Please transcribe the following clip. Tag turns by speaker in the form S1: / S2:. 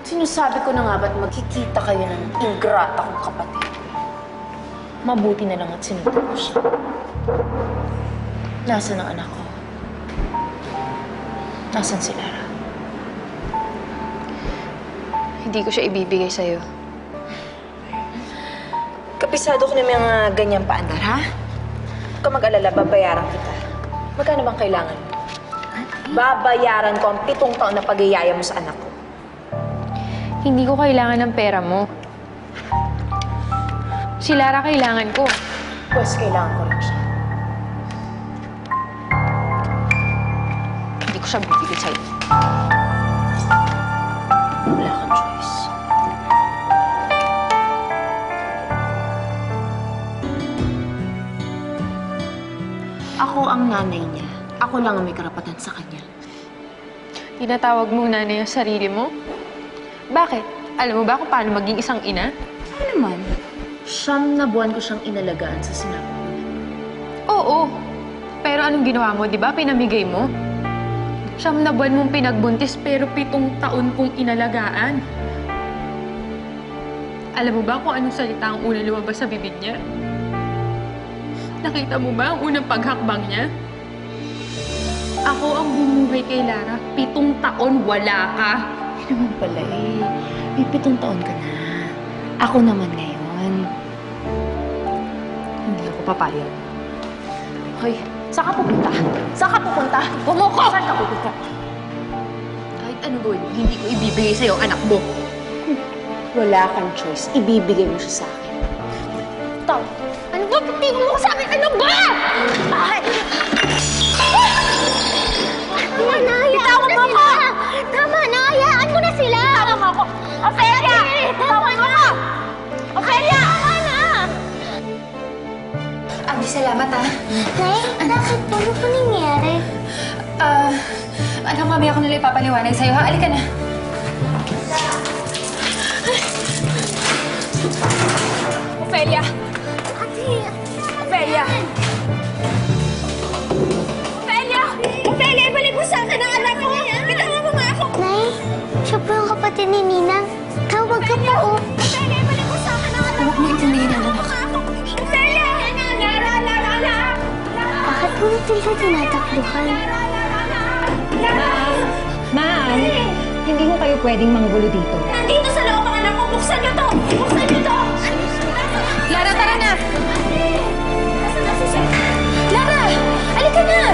S1: Sinasabi ko na nga ba't magkikita kayo ng ingrata kong kapatid? Mabuti na lang at sinunod ko siya. Nasaan ang anak ko? Nasaan si Lara?
S2: Hindi ko siya ibibigay sa'yo.
S1: Kapisado ko na may mga ganyang paandar, ha? Huwag ka mag-alala, babayaran kita. Magkano bang kailangan mo? Babayaran ko ang 7 taon na pag-iyaya mo sa anak ko.
S2: Hindi ko kailangan ng pera mo. Si Lara kailangan ko.
S1: Pues kailangan ko lang siya.
S2: Hindi ko siya bibigay sa'yo.
S1: Wala kang choice. Ako ang nanay niya. Ako lang ang may karapatan sa kanya.
S2: Tinatawag mong nanay ang sarili mo? Bakit? Alam mo ba kung paano maging isang ina?
S1: Ano naman? 9 na buwan ko siyang inalagaan sa sinapupunan.
S2: Oo. Pero anong ginawa mo, di ba? Pinamigay mo? 9 na buwan mong pinagbuntis pero 7 taon kong inalagaan. Alam mo ba kung anong salita ang unang lumabas sa bibig niya? Nakita mo ba ang unang paghakbang niya? Ako ang bumuhay kay Lara. 7 taon wala ka.
S1: Hindi naman pala eh. May 7 taon ka na. Ako naman ngayon. Hindi ako papayag. Hoy, saan ka pupunta? Saan ka pupunta? Bumuko! Saan ka pupunta?
S2: Kahit ano gawin mo, hindi ko ibibigay sa'yo ang anak mo.
S1: Wala kang choice. Ibibigay mo siya sa akin. Tao!
S2: Ano ba? Tingin mo ko sa akin? Ano ba?
S1: Bakit?
S3: Tama na, hayaan mo na sila! Tama na, hayaan mo na sila!
S1: Tama mo ako! Ophelia!
S3: Tama na!
S1: Ophelia!
S3: Tama na!
S4: Abdi, salamat ah.
S3: Nay, bakit po? Ano po nangyari?
S4: Anak, mamaya ko nila ipapaliwanag sa'yo ha. Alika na.
S1: Ophelia!
S3: Ate!
S1: Ophelia! Ophelia! Ophelia, ibalik mo sa akin ang anak ko! Bitawan mo nga ako!
S3: Nay, siya po yung kapatid ni Ninang. Tawag ka po, oh.
S1: Ophelia, ibalik mo sa akin ang anak
S4: Huwag mo intindihin ang anak.
S1: Ophelia! Lara! Lara! Lara!
S3: Bakit po natin siya tinatakbuhan?
S4: Ma'am, hindi ko kayo pwedeng manggulo dito.
S1: Nandito sa loob ang anak ko! Buksan niyo to! Buksan niyo to!
S4: Lara, tara na!
S1: Nasaan na si Sir?
S4: Lara! Alika na!